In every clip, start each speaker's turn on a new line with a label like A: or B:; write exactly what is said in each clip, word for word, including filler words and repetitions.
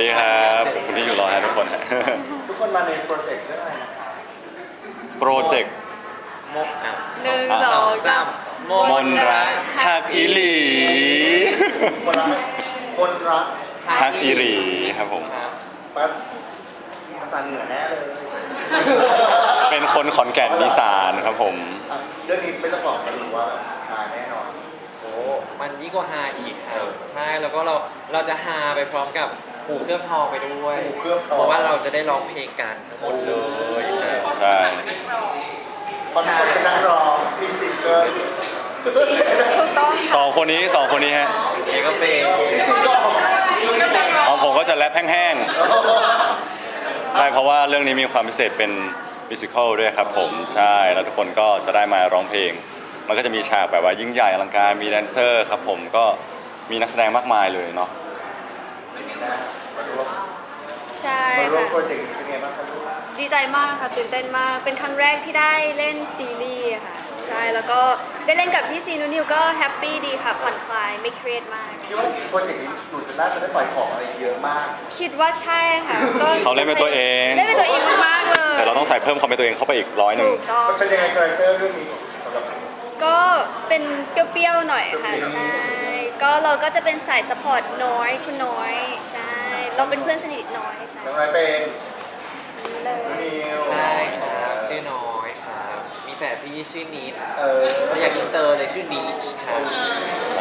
A: ดีครับขอบคุณที่อยู่รอฮะทุกคนฮะ
B: ทุกคนมาในโปรเจกต์เรื่องอะไรนะคะ
A: โปรเจกต์
C: มกอ่ะ
D: หนึ่งสองสาม
C: ม
A: มนรักฮักอีหลี
B: คนรักคนรัก
A: ฮักอีหลีครับผม
C: ครับ
B: ปั๊บภาษาเหนือแน่เลย
A: เป็นคนขอนแก่นอีสานครับผม
B: อ่ะเรื่องนี้ไม่ต้องบอกกันหรือว่าหาแน่นอน
C: โอ้มันยิ่งกว่าฮาอีกครับใช่แล้วก็เราเราจะฮาไปพร้อมกับหูเคลือบทองไปด้วย
B: หูเคลือบทอง
C: เพราะว่าเราจะได้ร้องเพลงกันทั้งหมดเลยครับ
A: ใช่
B: คนคนเป็นนักร้องมีซิงเกิล
D: ถูกต้อง
A: สองคนนี้สองคนนี้ฮะ
C: นี่ก็เป็น
B: มีซิงเกิล
A: ของผมก็จะแรปแห้งๆใช่เพราะว่าเรื่องนี้มีความพิเศษเป็นมิวสิควลด้วยครับผมใช่แล้วทุกคนก็จะได้มาร้องเพลงมันก็จะมีฉากแบบว่ายิ่งใหญ่อลังการมีแดนเซอร์ครับผมก็มีนักแสดงมากมายเลยเนาะ
B: มาร่วม
D: ใช่
B: มาร่วม
D: ค่ะ
B: โปรเจกต์นี้เป็นไงบ้างครับลูก
D: ดีใจมากค่ะตื่นเต้นมาก เป็นครั้งแรกที่ได้เล่นซีรีส์ค่ะ ใช่แล้วก็ได้เล่นกับพี่ซีนูนิวก็แฮปปี้ดีค่ะผ่อนคลายไม่เครียดมาก
B: คิดว่าโปรเจกต์นี้หนูจะน่าจะได้ปล่อยของอะไรเยอะมาก
D: คิดว่าใช่ค่ะก็
A: เขาเล่นเป็นตัวเอง
D: เล่นเป็นตัวเองมากๆเลย
A: แต่เราต้องใส่เพิ่มความเป็นตัวเองเข้าไปอีกร้อยหนึ่ง
D: ถูกต้อง
B: มันเป็นยังไงคาแรคเตอร์เรื่องนี้สำหรับหนู
D: ก็เป็นเปรี้ยวๆหน่อยค่ะ
B: เปรี้ยวๆ
D: ใช่ ก็เราก็จะเป็นสายสปอร์ตน้อยคุณน้อยใช่ เราเป็นเพื่อนสนิทน้อยใช่
B: น้องไรเป็น
D: นี่เลย
B: นิว
C: ใช่ครับชื่อน้อยครับมีแฝดพี่ชื่อนิด
B: เออ
C: เราอยากอินเตอร์เลยชื่อดีชครับ
A: ใช่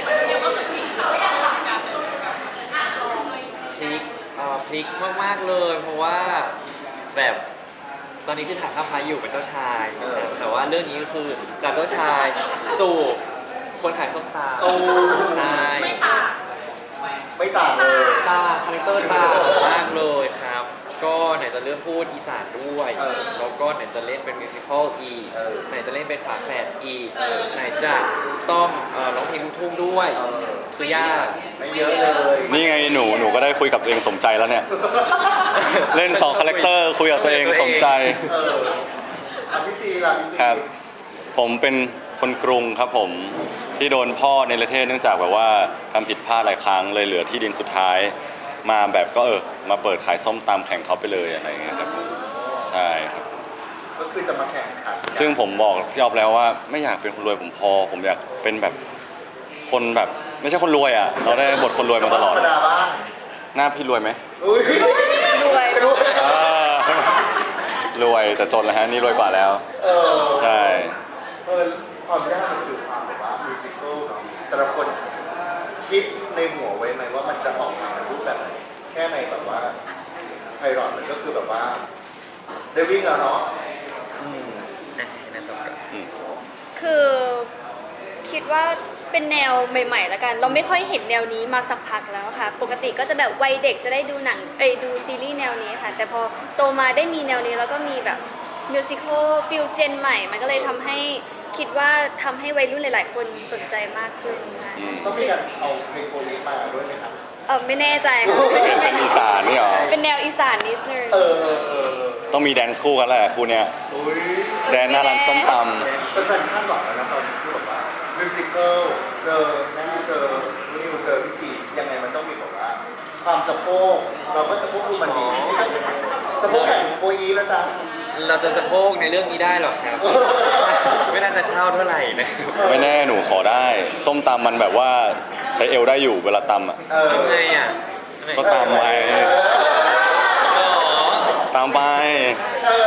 C: พลิกเอ่อพลิกมากๆเลย เพราะว่าแบบตอนนี้คือถ่ายภาพพายอยู่กับเจ้าชายนะครับแต่ว่าเรื่องนี้ก็คือจากเจ้าชายสู่คนขายส้มตำ
B: โอ้
C: ใช่
B: ไม่ต่างเลย
C: ตาคาแรคเตอร์ตามากเลยครับ ก็ไหนจะเรื่องพูดอีสานด้วย
B: เออ
C: แล้วก็ไหนจะเล่นเป็นมิวสิควลอีก
B: เออ
C: ไหนจะเล่นเป็นฝาแฝดอีกไหนจะต้องเอ่อร้องเพลงลูกทุ่งด้วย
B: เออ
C: คือยาก
B: ไม่เยอะเลย
A: นี่ไงหนูหนูก็ได้คุยกับตัวเองสมใจแล้วเนี่ย เล่นสองคาแรคเตอร์คุยกับตัวเองสมใจ
B: เอออ่ะพี่ซีล่ะพี่ซี
A: ครับ ผมเป็นคนกรุงครับผมที่โดนพ่อในประเทศเนื่องจากแบบว่าทำผิดพลาดหลายครั้งเลยเหลือที่ดินสุดท้าย มาแบบก็เออมาเปิดขายส้มตำแข่งเขาไปเลยอะไรอย่างเงี้ยครับใช่ครับ
B: ก็คือจะมาแข่งขัน
A: ซึ่งผมบอกยอบแล้วว่าไม่อยากเป็นคนรวยผมพอ ผมอยากเป็นแบบคนแบบไม่ใช่คนรวยอ่ะเราได้บทคนรวยมาตลอด
B: ธรรมดาบ้าง
A: หน้าพี่รวยไหม
B: อุ้ย
D: รวย
B: รวย
A: อ่ารวยแต่จนแล้วฮะนี่รวยกว่าแล้ว
B: เออ
A: ใช่
B: เออความยากมันคือความแบบว่ามิวสิควลเนาะแต่ละคนคิดในหัวไว้ไหมว่ามันจะออกมาในรูปแบบไหนแค่ในแบบว่าไพลอตมันก็คือแบบว่าได้วิ่งแล้วเนาะ
C: อืมอ่ะนั่นต่อกัน
A: อืม
D: คือคิดว่าเป็นแนวใหม่ๆแล้วกัน เราไม่ค่อยเห็นแนวนี้มาสักพักแล้วค่ะ ปกติก็จะแบบวัยเด็กจะได้ดูหนังเอ้ยดูซีรีส์แนวนี้ค่ะ แต่พอโตมาได้มีแนวนี้แล้วก็มีแบบมิวสิควลฟิลเจนใหม่ มันก็เลยทำให้คิดว่าทำให้วัยรุ่นหลาย ๆ คนสนใจมากขึ้นค่ะ
A: อืม
B: ต้องมีการเอาเพลงโคนี้มาด้วยไหมครับ
D: เออไม่แน่ใจค่ะ
A: เป็นอีสานนี่เหรอ
D: เป็นแนวอีสานนิดนึง
B: เออเออเออ
A: ต้องมีแดนซ์คู่กันแหละคู่เนี้ย
B: อุ้ย
A: แดนหน้าร้านส้มต
B: เป็นแฟนคาดหวังแล้วนะตอนที่แบบว่ามิวสิควลเจอแม่นิวเจอนิวเจอพี่ซียังไงมันต้องมีแบบว่าความสะโพกเราก็สะโพกดูมันดีสะโพกแข่งโคอีแล้วจ้ะ
C: เราจะสะโพกในเรื่องนี้ได้หรอครับ ไม่น่าจะเข้าเท่าไหร่นะครับ
A: ำไม่แน่หนูขอได้ ส้มตำมันแบบว่าใช้เอวได้อยู่เวลาตำอ่ะ
B: เออ
C: ทำไงอ่ะ
A: ก็ตามไป
C: อ๋อ
A: ตามไป
B: เออ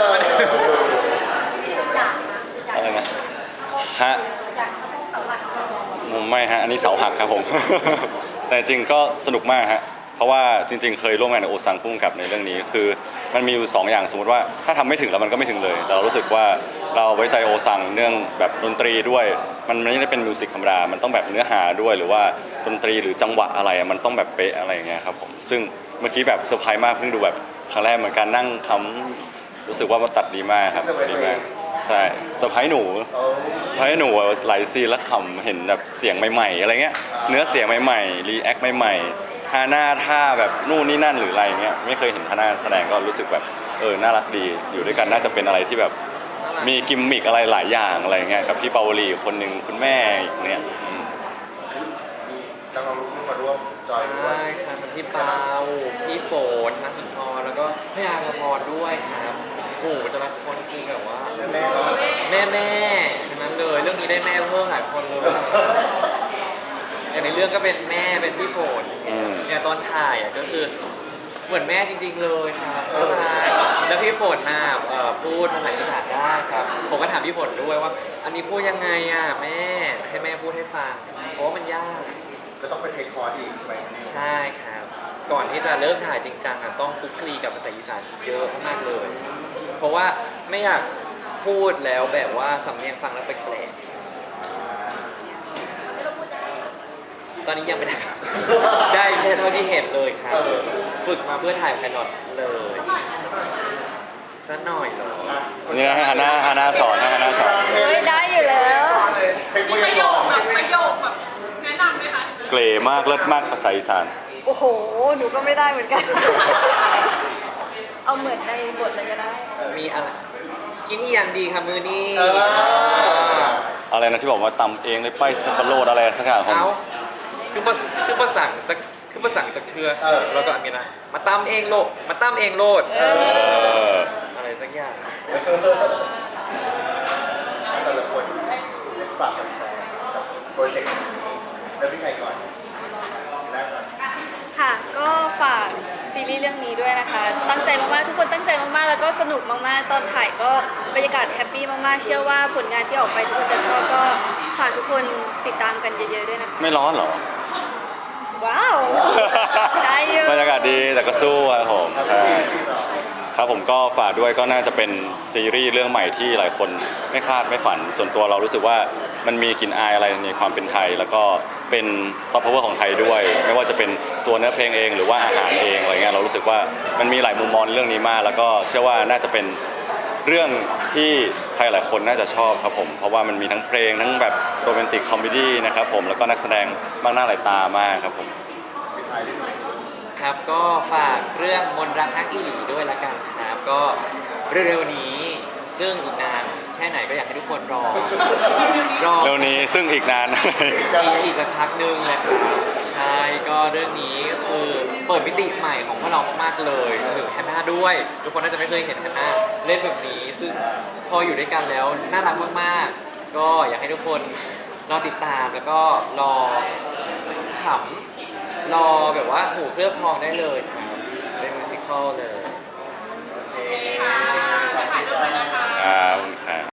A: อะไรนะฮะไม่ฮะอันนี้เสาหักครับผม แต่จริงก็สนุกมากฮะเพราะว่าจริง ๆ เคยร่วมงานกับโอซังพุ่งกับในเรื่องนี้คือมันมีอยู่สองอย่างสมมติว่าถ้าทำไม่ถึงแล้วมันก็ไม่ถึงเลยแต่เรารู้สึกว่าเราไว้ใจโอซังเรื่องแบบดนตรีด้วย มันไม่ได้เป็นมิวสิกธรรมดามันต้องแบบเนื้อหาด้วยหรือว่าดนตรีหรือจังหวะอะไรอะมันต้องแบบเป๊ะอะไรอย่างเงี้ยครับผมซึ่งเมื่อกี้แบบเซอร์ไพรส์มากเพิ่งดูแบบครั้งแรกเหมือนกันนั่งคำรู้สึกว่ามันตัดดีมากครับดีมากใช่เซอร์ไพรส์หนู
B: โอ้
A: เพราะให้หนูหลายซีนแล้วขำเห็นแบบเสียงใหม่ๆอะไรเงี้ยเนื้อเสียงใหม่ๆรีแอคใหม่ๆท่าหน้าท่าแบบนู่นนี่นั่นหรืออะไรเงี้ยไม่เคยเห็นท่าหน้าแสดงก็รู้สึกแบบเออน่ารักดีอยู่ด้วยกันน่าจะเป็นอะไรที่แบบมีกิมมิกอะไรหลายอย่างอะไรเงี้ยกับพี่ปาวลีคนหนึ่งคุณแม่อีกเนี่ยอืม
B: มีนักร้องลูกทุ่งมาร่วมจอยด้ว
C: ใช่
B: ย
C: ครับมันพี่เปาพี่ฝนนักสุนทรแล้วก็พี่อาภพรด้วยครับโอ้โหแต่ละคนคือแบบว่า
B: แม่ๆเนาะ
C: แม่แม่ๆทั้งนั้นเลยเรื่องนี้ได้แม่เพิ่มหลายคนเลยอย่างในเรื่องก็เป็นแม่เป็นพี่ฝน
A: อืม
C: เนี่ยตอนถ่ายอ่ะก็คือเหมือนแม่จริง ๆ เลยครับน่ารักแล้วพี่ฝนน่ะเอ่อพูดภาษาอีสานได้ครับผมก็ถามพี่ฝนด้วยว่า อันนี้พูดยังไงอ่ะแม่ให้แม่พูดให้ฟังเพราะว่ามันยาก
B: ก็ต้องไปเทคคอร์สอีกไหม
C: ใช่ครับ ก่อนที่จะเริ่มถ่ายจริงจังอ่ะต้องคลุกคลีกับภาษาอีสานเยอะมากๆเลย เพราะว่าไม่อยากพูดแล้วแบบว่าสำเนียงฟังแล้วแปลกๆตอนนี้ยังไม่ได้ครับ ได้แค่เท่าที่เห็นเลยครับ ฝึกมาเพื่อถ่ายไพลอตเลยสักหน่อยเหรอ
A: นี่นะให้ฮาน่าฮาน่าสอนให้ฮาน่าสอน
D: เฮ้ยได้อยู่แล้ว
B: เช็ค
E: มี
B: ไว้
E: ประโย
B: ก่อ
E: คน แบบประโยคแบบแนะนำไหมคะ
A: เกรมากเลิศมากภาษาอีสาน
D: โอ้โห หนูก็ไม่ได้เหมือนกัน เอาเหมือนในบทเลยก็ได้
C: มีอะไรกินอีอย่างดีค่ะมือนี้
B: เออ
A: อะไรนะที่บอกว่าตำเองเลยไปสับปะโรดอะไรสักอย่างของ
C: เอาคือภาษคือภาษาจากคือภาษาจากเธอแล้วก็อันนี้นะมาตำเองโลดมาตำเองโลด
A: เออ
C: อะไรสักอย่าง
B: แต่ละคนฝากแฟนๆกับโปรเจกต์นี้แล้วพี่ใครก่อนได้ก่อน
D: ค่ะ ก็ฝากซีรีส์เรื่องนี้ด้วยนะคะ ตั้งใจมากๆ ทุกคนตั้งใจมากๆ แล้วก็สนุกมากๆ ตอนถ่ายก็บรรยากาศแฮปปี้มากๆ เชื่อว่าผลงานที่ออกไปทุกคนจะชอบก็ฝากทุกคนติดตามกันเยอะๆ ด้วยนะคะ
A: ไม่ร้อนเหรอ
D: ว้าว ได้อยู่
A: บรรยากาศดีแต่ก็สู้ครับผมใช่ครับผมก็ฝากด้วยก็น่าจะเป็นซีรีส์เรื่องใหม่ที่หลายคนไม่คาดไม่ฝัน ส่วนตัวเรารู้สึกว่ามันมีกลิ่นอายอะไรในความเป็นไทย แล้วก็เป็นซอฟต์พาวเวอร์ของไทยด้วย ไม่ว่าจะเป็นตัวเนื้อเพลงเองหรือว่าอาหารเองอะไรเงี้ยเรารู้สึกว่ามันมีหลายมุมมองในเรื่องนี้มาก แล้วก็เชื่อว่าน่าจะเป็นเรื่องที่ใครหลายคนน่าจะชอบครับผมเพราะว่ามันมีทั้งเพลงทั้งแบบโรแมนติกคอมเมดี้นะครับผมแล้วก็นักแสดงมากหน้าหลายตามากครับผม
C: ครับก็ฝากเรื่องมนต์รักฮักอีหลีด้วยละกันครับก็เร็วๆนี้ซึ่งอีกนานแค่ไหนก็อยากให้ทุกคนรอรอ
A: เร็วนี้ซึ่งอีกนาน
C: อีกอีกสักพักหนึงแหละครับใช่ก็เรื่องนี้คือเปิดมิติใหม่ของพวกเรามากๆเลยรวมถึงแฮนนาด้วย ทุกคนน่าจะไม่เคยเห็นแฮนนาเล่นแบบนี้ ซึ่งพออยู่ด้วยกันแล้วน่ารักมากๆ ก็อยากให้ทุกคนรอติดตามแล้วก็รอขำรอแบบว่าหูเคลือบทองได้เลยครับเป็นมิวสิควลเลย
B: โอเค
E: ค่ะจะถ่ายรูปเลยนะคะ
A: ครับขอบคุณครับ